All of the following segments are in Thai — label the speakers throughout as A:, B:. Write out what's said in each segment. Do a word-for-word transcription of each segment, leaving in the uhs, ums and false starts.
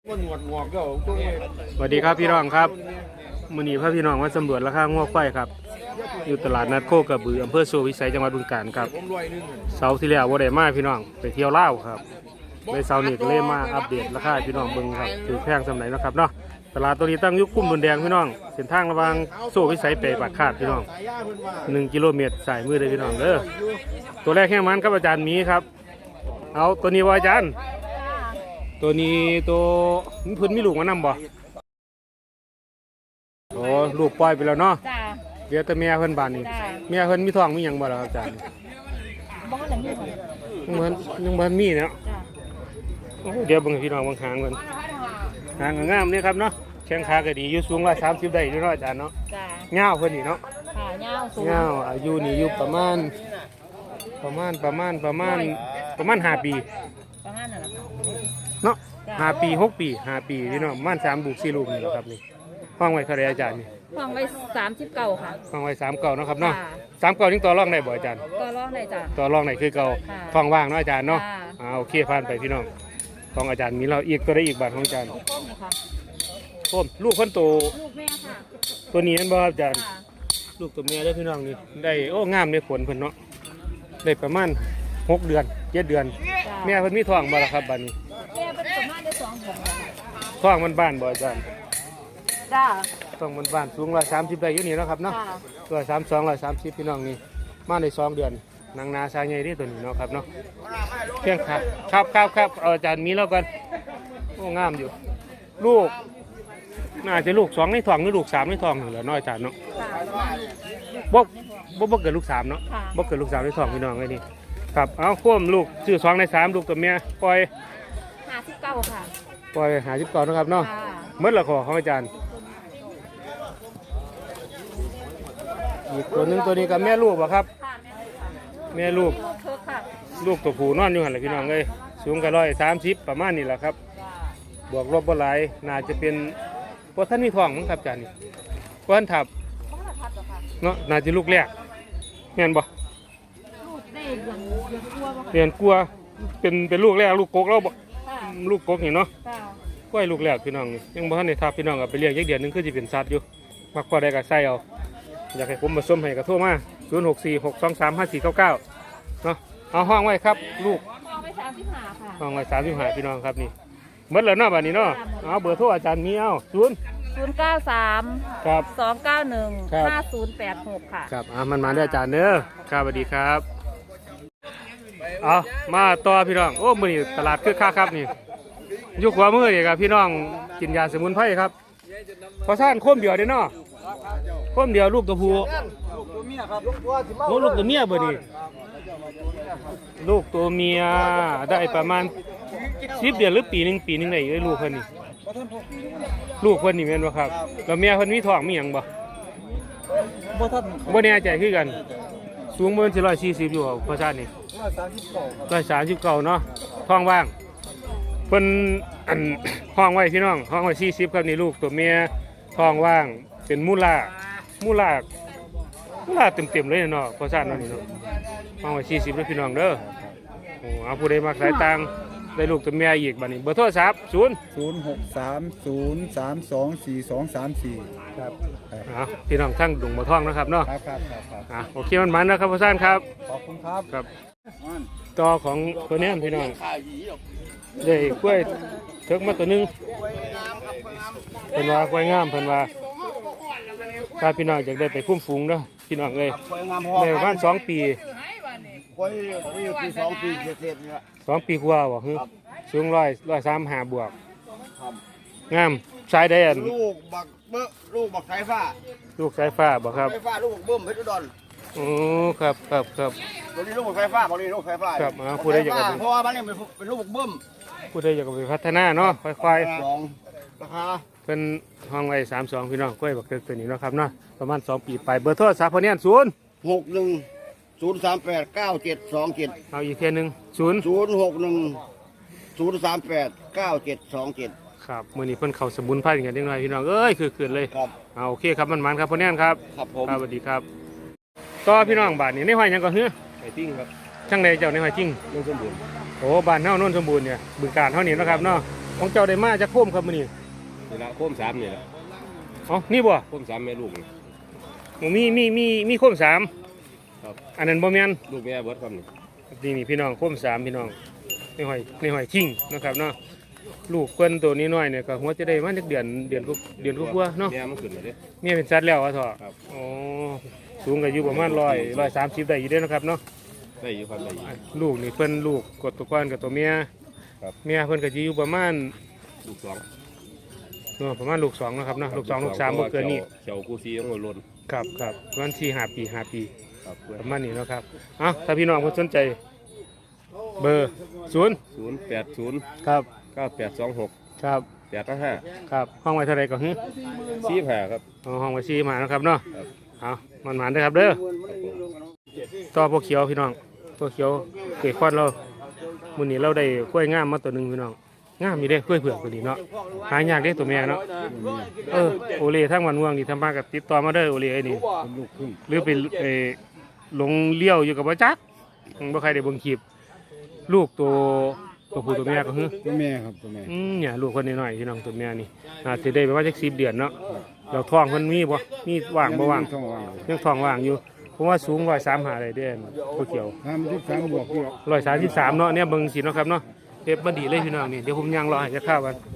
A: สวัสดีครับพี่น้องครับมื้อนี้พาพี่น้องมาสำรวจราคางวควายครับอยู่ตลาดนัดโคกระบืออำเภอโซวิสัยจังหวัดบึงกาฬครับเสาร์ที่แล้วบ่ได้มาพี่น้องไปเที่ยวลาวครับเลยเสาร์นี้ก็เลยมาอัปเดตราคาพี่น้องเบิ่งครับถือแพงสำไหนนะครับเนาะตลาดตัวนี้ตั้งอยู่คุ้มบนแดงพี่น้องเส้นทางระหว่างโซวิสัยไปปากคาดพี่น้องหนึ่งกิโลเมตรสายมือเลยพี่น้องเด้อตัวแรกแค่มันครับอาจารย์มีครับเอาตัวนี้ว่าอาจารย์ตัวนี้ตัวมันพื้นมีลูกมานำบ่โอ้ลูกปล่อยไปแล้วเนาะ
B: จ้า
A: เดี๋ยวแต่เมียเพิ่นบานนี่เมียเพิ่นมีท้องมีหยังบ่ล่ะครับอาจารย์
B: บ่ได้มีค่ะ
A: ยังบ่ยังบ่มีเนาะ
B: จ้า
A: เดี๋ยวเบิ่งพี่น้องเบิ่งหางเพิ่นหางงามนี่ครับเนาะแข้งขาก็ดีอยู่สูงหนึ่งร้อยสามสิบได้อยู่เนาะอาจารย์เนาะ
B: จ้า
A: เงาเพิ่นนี่เนาะ
B: ค่ะยาวสูง
A: เงาอายุนี่อยู่ประมาณประมาณประมาณประมาณประมาณห้าปี
B: ประมาณนั้นล่ะ
A: เนาะห้าปีหกปีห้าปีพี่น้องประมาณสามลูกสี่ลูกนี่แหละครับนี่ห้องไว้เท่าไรอาจารย์นี่
B: ห้องไว้สามสิบเก้าค่ะ
A: ห้องไว้สามเก้าเนาะครับเนาะสามเก้ายังต่อรองได้บ่อาจารย์
B: ต่อรองได้จ้ะ
A: ต่อรองได้คือเก่าท้องว่างเนาะอาจารย์เนาะอ่าโอเคผ่านไปพี่น้องของอาจารย์มีเราอีกตัวได้อีกบาทของอาจารย์
B: ต้มนะคะ
A: ต้มลูกคนโต
B: ลูกแม่ค่ะ
A: ตัวนี้นั่นบ่ครับอาจารย์ลูกตัวแม่ได้พี่น้องนี่ได้โอ้งามในผลเพิ่นเนาะได้ประมาณหกเดือนเจ็ดเดือนแม่เพิ่นมีท้องบ่ล่ะครับบัดนี้
B: แม่เป็นประมาณได้สองเดือน
A: ท้องมันบ้านบ่อาจารย์
B: จ้า
A: ท้องมันบ้านสูงร้อยสามสิบได้อยู่นี่เนาะครับเนาะร้อยสามสองร้อยสามสิบพี่น้องนี่มาในสองเดือนนางนาชายใหญ่ที่ตัวนี้เนาะครับเนาะเพียงครับครับครับครับอาจารย์มีแล้วกันโอ้งามอยู่ลูกน่าจะลูกสองในท้องหรือลูกสามในท้องเหรอเนาะอาจารย์เนาะบ่บ่บ่เกิดลูกสามเนาะบ่เกิดลูกสามในท้องพี่น้องไอ้นี่ครับเอาควมลูกชื่อสองในสามลูกตัวเมียปล่อย
B: ห้าสิบเก้าค่ะ
A: ปล่อยหาสิบเก้านะครับเนาะเมื่อละขอของอาจารย์อีกตัวหนึ่งตัวนี้กับแม่ลูกป่ะครับแม่ลูกลูกตัวผู้นอนอยู่หันเลยพี่น้องเลยสูงกันร้อยสามสิบประมาณนี้แหละครับบวกลบบ่หลายน่าจะเป็นเพราะท่านมีท้องมั้งครับอาจารย์นี่เพราะท่านทับเนาะน่าจะลูกแรกแม่นบ่เรียนกลัวเป็นเป็นลูกแรกลูกกกเราบ่ลูกกกนี่เนาะกล้วยลูกแรกพี่น้องยังบ่ทันได้ทับพี่น้องกับไปเลี้ยงยักเดือนนึงคือจะเป็นสัตว์อยู่มักพอได้กับไส้เอาอยากให้ผมมาส้มให้กับโทรมาศูนย์หกสี่หกสองสามห้าสี่เก้าเก้าเนาะเอาห้องไว้ครับลูก
B: ห้องไว้สามสิบห้าค่ะ
A: ห้องไว้สามสิบห้าพี่น้องครับนี่เมื่อแล้วเนาะบัดนี้เนาะเอาเบอร์โทรอาจารย์มีเอาศูนย์
B: ศูนย์เก้าสาม
A: ครับ
B: สองเก้าหนึ่งห้าศูนย์แปดหกค่ะ
A: ครับอ่ามันมาได้อาจารย์เนอะครับสวัสดีครับเอามาต่อพี่น้องโอ้มื้อนี้ตลาดคึกคักครับนี่ยุคขวามือนี่ครับพี่น้องกินยาสมุนไพรครับพอซ่านโค้มเดียวเด้เนาะโค้มเดียวลูกตัวผู้โอ้ลูกตัวเมียบ่นี่ลูกตัวเมียได้ประมาณสิบเดือนหรือปีหนึ่งปีหนึ่งได้ได้ลูกเพิ่นนี่ลูกเพิ่นนี่แม่นบ่ครับแล้วเมียเพิ่นมีท้องมีหยังบ่บ่ทันบ่แน่ใจคือกันสูงเบิ่งสิร้อยสี่สิบอยู่พอซ่านนี่ร้อยสามสิบเก้าเนาะท้องว่างเพิ่นอันห้องไว้พี่น้องห้องไว้สี่สิบครับนี่ลูกตัวเมียท้องว่างเป็นมูล่ามูล่ามูล่าเต็มๆเลยเนาะพอซ่านนั่นนี่เนาะห้องไว้สี่สิบแล้วพี่น้องเด้อโอ้เอาผู้ใดมักสายต่างได้ลูกตัวเมียอีกบัดนี้เบอร์โทรศัพท์ศูนย์
C: ศูนย์หกสามศูนย์สามสองสี่สองสามสี่
A: ครับอ่าพี่น้องทั้งดุงบ่ท่องนะครับเนาะ
C: ครับครับครับ
A: อ่าโอเคมันมันนะครับพ่อซ่านครับ
C: ขอบคุณครับ
A: ครับต่อของตัวนี้พี่น้องได้กล้วยเถิกมาตัวนึงเพิ่นว่ากล้วยงามเพิ่นว่าถ้าพี่น้องอยากได้ไปคุ้มฝูงเนาะพี่น้องเลยได้ประมาณสองปี
C: กล้วยปีสองปีเศษเนี่ย
A: สองปีกว่าบ่คือสูงร้อยร้อยสามห้าบวกงามสายได้อัน
C: ลูกบักเบ้อลูกบักสายฟ้า
A: ลูกสายฟ้าบ่ครับ
C: สายฟ้าลูกบักเบิ้มเพชรอุดร
A: โอ้ครับครับครับ
C: ตัวนี้ลูกบักสายฟ้าตัวนี้ลูกสายฟ้า
A: ครับอ่าผู้ใดอยาก
C: เพราะว่ามันเนี่ยเป็นลูกบักเบิ้ม
A: ผู้ใดอยากไปพัฒนาเนาะค่อย
C: ๆสองราคา
A: เป็นห้องไว้สามสองพี่น้องกล้วยบักเกิดตัวนี้เนาะครับเนาะประมาณสองปีไปเบอร์โทรศัพท์พอเนี่ยศูนย์
C: หกหนึ่งศูนย์สามแปดเก้าเจ็ดสองเจ็ด
A: เอาอีกเทียนึงศูนย์
C: ศูนย์หกหนึ่งศูนย์สามแปดเก้าเจ็ดสองเจ็ด
A: ครับมื่อนี้เพิ่นเข้าสมุนไพรกันเล็กน้อยพี่น้องเอ้ยคือคืนเลย
C: ครับ
A: เอาโอเคครับมันมันครับพ่อแน่นครับ
C: ครับผม
A: สวัสดีครับต่อพี่น้องบ้านนี้ในห้อยยังก็เฮ้อ
C: ไอ้จิ้งครับ
A: ช่างใดเจ้าในห้อยจิ้ง
C: โน่นสมบูรณ์
A: โอ้บ้านเฮาโน่นสมบูรณ์เนี่ยบึงกาฬเฮานี่นะครับเนาะของเจ้าได้มาจากโคมครับมื้อนี้
D: นี่ละโค้มสามนี่ละ
A: อ๋อนี่บ่
D: โค้มสามแม่ลูกนี่
A: หมูมีมีมีมีโคมสาม
D: ครับ
A: อันนั้นบ่แม่น
D: ลูกแม่เบิดครับนี่
A: นี่นี่พี่น้องโคมสามพี่น้องในหอยในหอยทิ้งนะครับเนาะลูกเพิ่นตัวนี้น้อยเนี่ยก็หัวจะได้มาจักเดือนเดือนกว่าเดือนกว่าๆเนาะ
D: แม่มันขึ้นมาเด้
A: เมียเป็นสัตว์แล้วอ่ะเถอะ
D: ครับ
A: อ๋อสูงก็อยู่ประมาณร้อยร้อยสามสิบได้อยู่เด้อนะครับเนาะ
D: ได้อยู่ครับได้อยู่
A: ลูกนี่เพิ่นลูกกดตัวก้อนกับตัวเมีย
D: ครับ
A: เมียเพิ่นก็สิอยู่ประมาณ
D: ลูกสอง
A: เนาะประมาณลูกสองนะครับเนาะลูกสองลูกสามบ่เกินนี้
D: เขียวกูซีต้องหัวโลน
A: ครับครับประมาณสี่ห้าปีห้าปี
D: ครับเพื่อน
A: ประมาณนี้เนาะครับเอ้าถ้าพี่น้องเพิ่นสนใจ เบอร์ศูนย์
D: ศูนย์แปดศูนย์
A: ครับ
D: เก้าแปดสองหก
A: ครับ
D: แปดห้า
A: ครับห้องไว้เท่าไหร่ก็ฮึ
D: สี่ห้าครับ
A: เอาห้องไว้สี่มานะครับเนาะ
D: ครับ
A: เอามันหมานเด้อครับเด้อ
D: ครับผม
A: ต่อพวกเขียวพี่น้องพวกเขียวเกยควันเรามื้อนี้เราได้กล้วยงามมาตัวหนึงพี่น้องงามมีเด้กล้วยเผือกตัวนี้เนาะหายากเด้ตัวแม่เนาะเออโอเลทั้งวันม่วงนี่ทำมากับติดต่อมาเด้อโอเลไอ้นี่หรือไปเออหลงเลี้ยวอยู่กับบ่จักบ่ใครได้เบิ่งคลิปลูกตัวตัวผู้ตัวแม่ก็คือ
C: ตัวแม่ครับตัวแม่
A: อืมเนี่ยลูกคนน้อยๆพี่น้องตัวแม่นี่อาจสิได้ประมาณจักสิบเดือนเนาะเราท้องเพิ่นมีบ่มีว่างบ่ว่าง
C: ท้องว่าง
A: ยังท้องว่างอยู่ผมว่าสูงร้อยสามหาได้เด้อตัวเขียว
C: ทำที่สามบวกที่
A: ร้อยสามสิบสามเนาะเนี่ยเบิ่งสิเนาะครับเนาะเด็บมาดีเลยพี่น้องนี่เดี๋ยวผมย่างรอให้จะข้าวกัน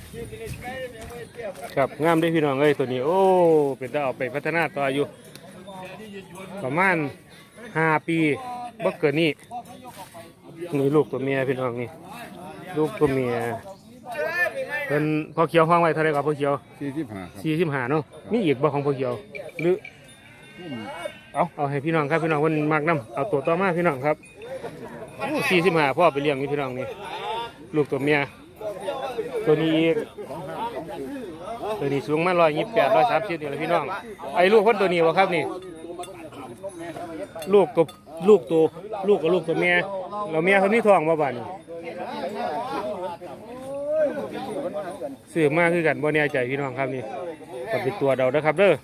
A: ครับงามเด้อพี่น้องเอ้ยตัวนี้โอ้เป็นตาเอาไปพัฒนาต่ออยู่ประมาณห้าปีบ่เกินนี้นี่ลูกตัวเมียพี่น้องนี่ลูกตัวเมียเพิ่นพอเขียวห้องไว้เท่าไหร่ครับพอเขียว
C: สี่สิบห้าครับ
A: สี่สิบห้าเนาะมีอีกบ่ของพอเขียวหรือเอาเอาให้พี่น้องครับพี่น้องเพิ่นมักนํเอาตัวต่อมาพี่น้องครับสี่สิบห้าพ่อไปเลี้ยงนี่พี่น้องนี่ลูกตัวเมียตัวนี้อีกตัวนี้สูงมาร้อยยี่สิบแปดร้อยสามสิบนี่แหละพี่น้องไอ้ลูกคนตัวนี้วะครับนี่ลูกกับลูกตัวลูกกับลูกตัวเมียเราเมียเขานี่ท้องมาบ้านนี่ซื้อมาคือกันบ่แน่ใจพี่น้องครับนี่ก็เป็นตัวเดาเด้อครับเด้อ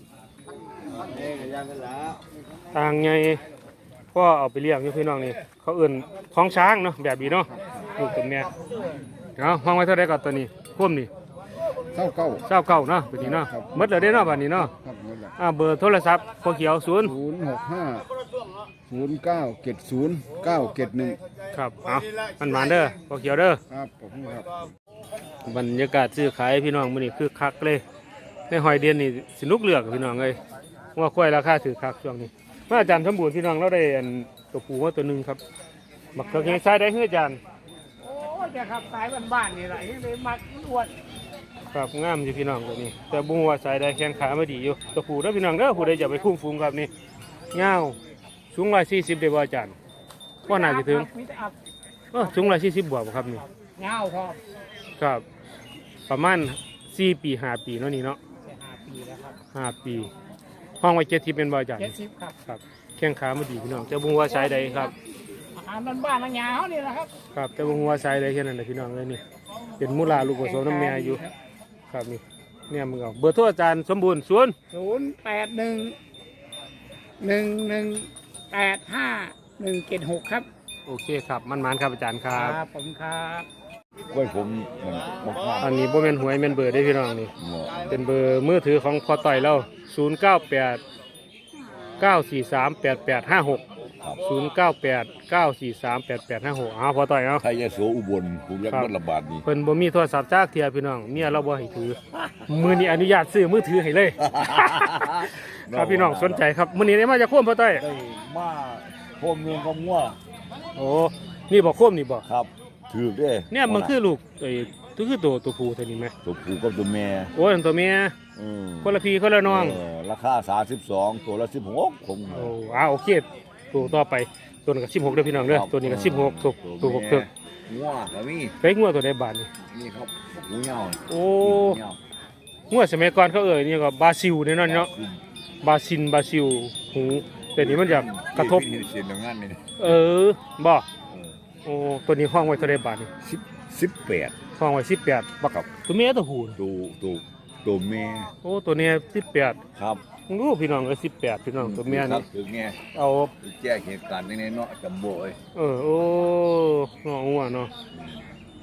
A: ต่างไงพ่อเอาไปเลี้ยงอยู่พี่น้องนี่เขาเอื่นของช้างเนาะแบบนี้เนาะลูกตัวเมียเอาห้องไว้เท่าไรก่อนตัวนี้พุ่มนี่
C: เท่าเก้า
A: เจ้าเก่าเนาะตัวนี้เนาะหมดเลยได้เนาะบัดนี้เนาะ
C: ครับหมดแล้ว
A: อ่าเบอร์โทรศัพท์พอเขียวศูนย์
C: ศูนย์หกห้าศูนย์เก้าเจ็ดศูนย์เก้าเจ็ดหนึ่ง
A: ครับเอามันหวานเด้อพอเขียวเด้อ
C: ครับผมครับ
A: บรรยากาศซื้อขายพี่น้องมื้อนี้คือคักเลยในหอยเดือนนี่สนุกเหลือกพี่น้องเลยว่าควายราคาถือคักช่วงนี้มาอาจารย์สมบูรณ์พี่น้องเราได้อันตัวปูมาตัวหนึงครับมักเขียวใช้ได้เฮืออาจารย์
E: โอ้ยจะขับสายบ้านๆนี่แหละยังเลยมักอ้วน
A: ครับงามอยู่พี่น้องตัวนี้ แต่บุ้งว่าสายได้แขนขาไม่ดีอยู่ตัวปูเด้อพี่น้องเด้อผู้ใดจะไปคุ้มฟูงครับนี่เงาวสูงร้อยสี่สิบได้บ่อาจารย์ว่าน่าจะถึง
E: มิตรอับ
A: เออสูงร้อยสี่สิบบวกบ่ครับนี่
E: เงาพอ
A: ครับประมาณสี่ปีห้าปีเนาะนี่เนาะ
E: จะหาปีแล้วครับ
A: ห้าปี ห้องไว้เจ็ดสิบเป็นบ่อาจารย์
E: เจ็ดสิบครับ
A: ครับแข้งขาไม่ดีพี่น้องแต่บุ้งว่าสายใดครับ
E: อาหารบ้านๆนะเงานี่แหละครับ
A: ครับแต่บุ้งว่าสายใดแค่นั้นแหละพี่น้องเลยนี่เป็นมูลาลูกผสมน้ำแม่อยู่ครับนี่เนี่ยมึงเอาเบอร์โทรอาจารย์สมบูรณ์ศูนย์
E: ศูนย์แปดหนึ่งหนึ่งหนึ่งแปดห้าหนึ่งเจ็ดหกครับ
A: โอเคครับมันมันครับอาจารย์ค
E: ค
A: รั
E: รับ บผมครับ
C: กล้วยผมมันมาก
A: อันนี้บ่แม่นหวยแม่นเบอร์ได้อพี่น้องนี่
C: ๆเหมาะ
A: เป็นเบอร์มือถือของพอต่อยเราศูนย์เก้าแปดเก้าสี่สามแปดแปดห้าหกศูนย์เก้าแปดเก้าสี่สามแปดแปดห้าหกอ้าวพอต่อยเอา
F: ไทยยโสอุบลภูมิยักษ์ระบาดนี่
A: เพิ่นบ่มีโทรศัพท์จากเทียพี่น้องเมียเราบ่ให้ถือมื้อนี้อนุญาตซื้อมือถือให้เลย ครับพี่น้องสนใจครับมื้อนี้ได้มาจากโคมพอต่อย
F: ได้มาพมเมืองกงัว
A: โอ้นี่บ่โคมนี่บ่
F: ครับ ถือได้
A: เนี่ยมันคือลูกไอ้ตัวคือตัวตัวผู้ตัวนี้ไหม
F: ตัวผู้กับตัวแม่
A: โอ้ยอันตัวเมีย
F: อืม
A: คนละพี่คนละน้อง
F: เออราคาสามสิบสองตัวละสิบหกผม
A: โอ้อ้าวโอเคตัวต่อไปตัวนี้ก็สิบหกเด้อพี่น้องเด้อตัวนี้ก็สิบหกตัวตัวหกเถิก
F: งัวก็มี
A: เฮ้ยงัวตัวใดบาทนี่
F: นี่ครับหูเหยา
A: โอ้
F: เหยา
A: งัวสมัยก่อนเขาเอ่ยนี่ก็บราซิลเนี่ยเนาะเนาะบราซิลบราซิลหูแต่นี้มันจะกระทบ
F: เสียงดังงานนี่
A: เออบ่โอ้ตัวนี้ห้องไว้เท่าใดบาทนี่
F: สิบสิบแปด
A: ห้องไว้สิบแปดบัก
F: ครับ
A: ตัวเมียตัวผู้
F: ตัวตัวตัวแม่
A: โอ้ตัวเนี้ยสิบแปด
F: ครับ
A: มึงรู้พี่น้องเอ้ยสิบแปดพี่น้องตัวเมีย
F: ครั
A: นี่
F: บถึงไง
A: เอา
F: แจ้งเหตุการณ์ในเนาะจำโบย
A: เออโอ้เนาะงัวเนาะ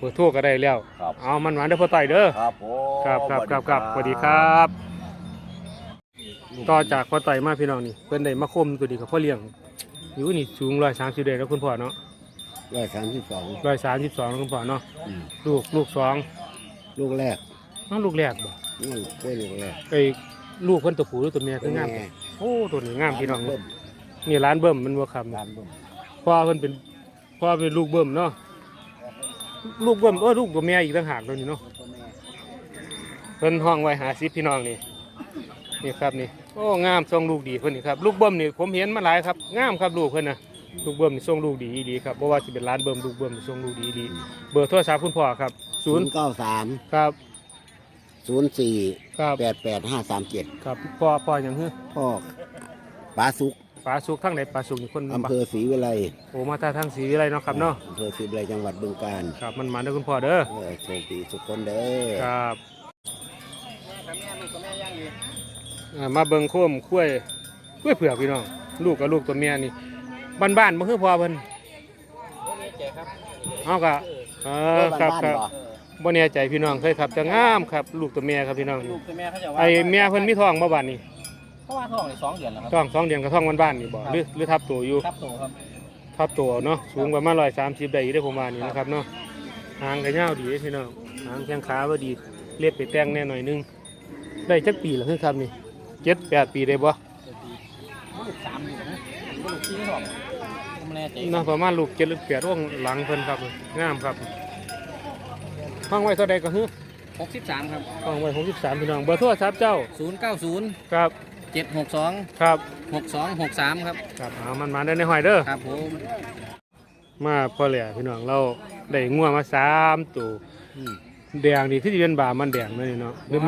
A: เบอร์โทรก็ได้แล้ว
F: ครับ
A: เอามันหวานเด้อพ่อต่อยเด้อ
F: ครับผม
A: ครับครับครับครับสวัสดีครับ ต่อจากพ่อต่อยมาพี่น้องนี่เพิ่นได้มาคมตัวดีกับพ่อเลี้ยงอยู่นี่สูงร้อยสามสิบเดแล้วคุณพ่อเนาะ
C: ร้อยสามสิบสอง
A: ร้อยสามสิบสองคุณพ่อเนาะลูกลูกสอง
C: ลูกแรก
A: น้องลูกแรกบ่
C: นี่กล้วยลูกแรก
A: ไอ้ลูกเพิ่นตัวผู้หรือตัวเมียคืองาม
C: แม่
A: โอ้ตัวนี้งามพี่น้อง
C: เบิ่ม
A: นี่ร้านเบิ่มมันบ่คำ
C: ร้านเบิ่ม
A: พ่อเพิ่นเป็นพ่อเป็นลูกเบิ่มเนาะลูกเบิ่มเออลูกตัวเมียอีกต่างหากตัวนี้เนาะเพิ่นห้องไว้หาซิพี่น้องนี่นี่ครับนี่โอ้งามทรงลูกดีเพิ่นนี่ครับลูกเบิ่มนี่ผมเห็นมาหลายครับงามครับลูกเพิ่นน่ะลูกเบิ่มนี่ทรงลูกดีดีครับบ่ว่าสิเป็นร้านเบิ่มลูกเบิ่มนี่ทรงลูกดีดีเบอร์โทรศัพท์คุณพ่อครับ
C: ศู
A: ศู
C: น
A: นย์
C: ย์เก้าสาม
A: ครับ
C: ศูนย์สี่
A: ครับ
C: แปดแปดห้าสามเจ็ด
A: ครับพ่อพ่อหยังฮือ
C: พ่อปลาสุก
A: ปลาสุกทั้งไหนปลาสุกนี่คน
C: อำเภอศรีวิไล
A: โอ้มาตาทางศรีวิไลเนาะครับเนาะ
C: อำเภอศรีวิไลจังหวัดบึงกาฬ
A: ครับมันมาเด้อคุณพ่อเด้อ
C: เออโชคดีทุกคนเด้อ
A: ครับอ่ามาเบิ่งโคมคุ้ยคุ้ยเผือกพี่น้องลูกกับลูกตัวเมียนี่บ้านๆบ่คือพ่อเพิ่นเอากะเออครับครับบ่แน่ใจพี่น้องเคยครับจะงามครับลูกตัวเมียครับพี่น้อง
E: ลูกตัวแม่เขาจะว่า
A: ไอ้เมียเพิ่นมีท้องบ่บาดนี้
E: เขาว่าท้องในสองเดือนแล้วครับ
A: ท้องสองเดือนกับท้องบ้านๆนี่บ่หรือหรือทับตัวอยู่
E: ครับโตครับ
A: ทับตัวเนาะสูงประมาณร้อยสามสิบได้อยู่ได้อผมว่านี่นะครับเนาะหางก็ยาวดีพี่น้องหางแข้งขาบ่ดีเล็บไปแต่งแน่หน่อยนึงได้จักปีแล้วคือครับนี่เจ็ดแปดปีได้บ่
E: ลูกสามอยู่นะลูกที่สองผมแน่ใจ
A: เนาะประมาณลูกเจ็ดหรือแปดร่วงหลังเพิ่นครับงามครับห้องไว้เท่าใดก็ฮือ
E: หกสิบสามครับ
A: ห้องไว้หกสิบสามพี่น้องเบอร์โทรศัพท์เจ้า
E: ศูนย์เก้าศูนย์
A: ครับ
E: เจ็ดหกสอง
A: ครับ
E: หกสองหกสามครับ
A: ครับเอามันมาได้ในหอยเด้อ
E: ครับผม
A: มาพอแหล่พี่น้องเราได้งัวมาสามตัวแดงนี่ที่สิเป็นบามันแดงนั่นนี่เนาะหรือมัน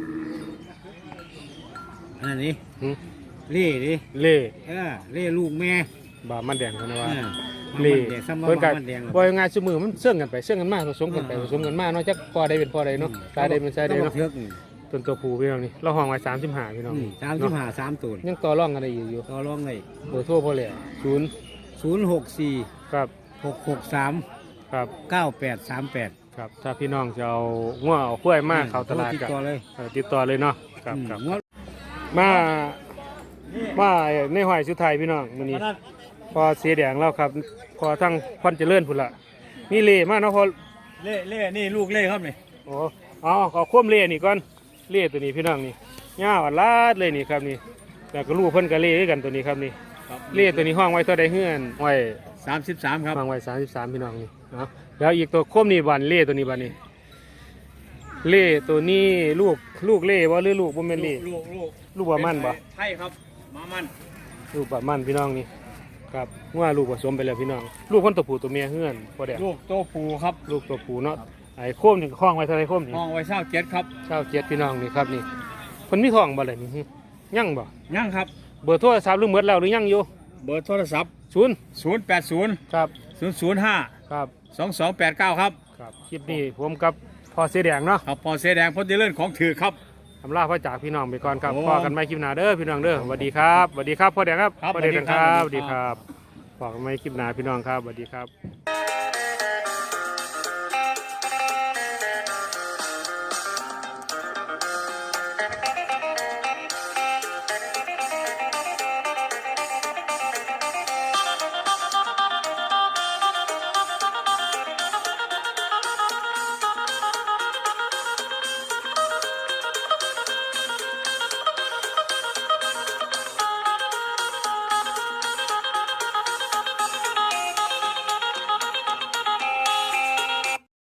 E: อันนี้
A: หึ
E: เล่ดิ
A: เล่
E: เออเล่ลูกแม่
A: บามันแดงกันนะว่า
E: เออ
A: เล่
E: เด็กซ้ำ
A: เพิ่น
E: กั
A: กัน
E: นแดง
A: บ่ยังไงซุมือมันเสื่องกันไปเสื่องกันมาผสมกันไปผสมกันมาเนาะจักพอได้เป็นพอได้เนาะตายได้เป็นตายได้เนาะ
E: เทือกนี่
A: ต้นตัวผู้พี่น้องนี่เราห้องไว้สามสิบห้าพี่น้อง
E: สามสิบห้าสามตูน
A: ยังต่อรองกันได้อยู่อยู่
E: ต่อรองเลย
A: เบอร์โทรพอแหล่ศูนย์
E: ศูนย์หกสี่
A: ครับ
E: หกหกสาม
A: ครับ
E: เก้าแปดสามแปด
A: ครับถ้าพี่น้องจะเอางัวเอากล้วยมาเข้าตลาด
E: ติด
A: ก็
E: ต่อเลย
A: เออติดต่อเลยเนาะครับ
E: อืม
A: ครับ
E: งวด
A: มามาในหอยสุดท้ายพี่น้องมื้อนี้พอเสียแดงแล้วครับพอทั้งควันเจริญพุ่นละมีเล่มาเนาะพอ
E: เล่เล่นี่ลูกเล่ครับนี่
A: โอ้เอาขอควมเล่นี่ก่อนเล่ตัวนี้พี่น้องนี่ย่าอัดลาดเลยนี่ครับนี่แต่ก็ลูกเพิ่นก็เล่ด้วยกันตัวนี้ครับนี่เล่ตัวนี้ห้องไว้เท่าใดเฮือนไว้
E: สามสิบสามครับ
A: ห้องไว้สามสิบสามพี่น้องนี่เนาะแล้วอีกตัวควมนี่บันเล่ตัวนี้บันนี่เล่ตัวนี้ลูกลูกเล่บ่หรือลูกบ่แม่นเล่
E: ลูกลูก
A: ลูกบ่มันบ่
E: ใช่ครับมามัน
A: ลูกบ่มันพี่น้องนี่ครับว่าลูกผสมไปแล้วพี่น้องลูกคนตัวผู้ตัวเมียเฮือนพอแดง
E: ลูกโตปูครับ
A: ลูกตัวผู้เนาะไอ้โคมนี่ก็คล้องไว้เท่าไรโคมนี่
E: ห้องไว้เช่าเจ็ดครับ
A: เช้าเจ็ดพี่น้องนี่ครับนี่คนมีท้องบ่เลยนี่ยังบ่
E: ยังครับ
A: เบอร์โทรศัพท์หรือหมดแล้วหรือยังอยู่
E: เบอร์โทรศัพท์
A: ศูนย์
E: ศูนย์แปดศูนย์
A: ครับ
E: ศูนย์ศูนย์ห้า
A: ครับ
E: สองสองแปดเก้าครับ
A: ครับคลิปนี้ผมกับพ่อเสียแดงเนาะ
E: ครับพอเสอแดงพอดีเลื่อนของถือครับ
A: ทำลาพ่อจากพี่น้องไปก่อนครับ
E: โอ้
A: พ่อกันไม่คลิปหน้าเด้อพี่น้องเด้อสวัสดีครับสวัสดีครับพ่อแดงครับ
E: ครับ
A: พ่อแดง
E: สวัสดี
A: ค
E: ครั
A: รับบ ส
E: สวั
A: วัส
E: สดี
A: ดีค
E: ครั
A: รับ บพ่อกันไม่คลิปหน้าพี่น้องครับสวัสดีครับ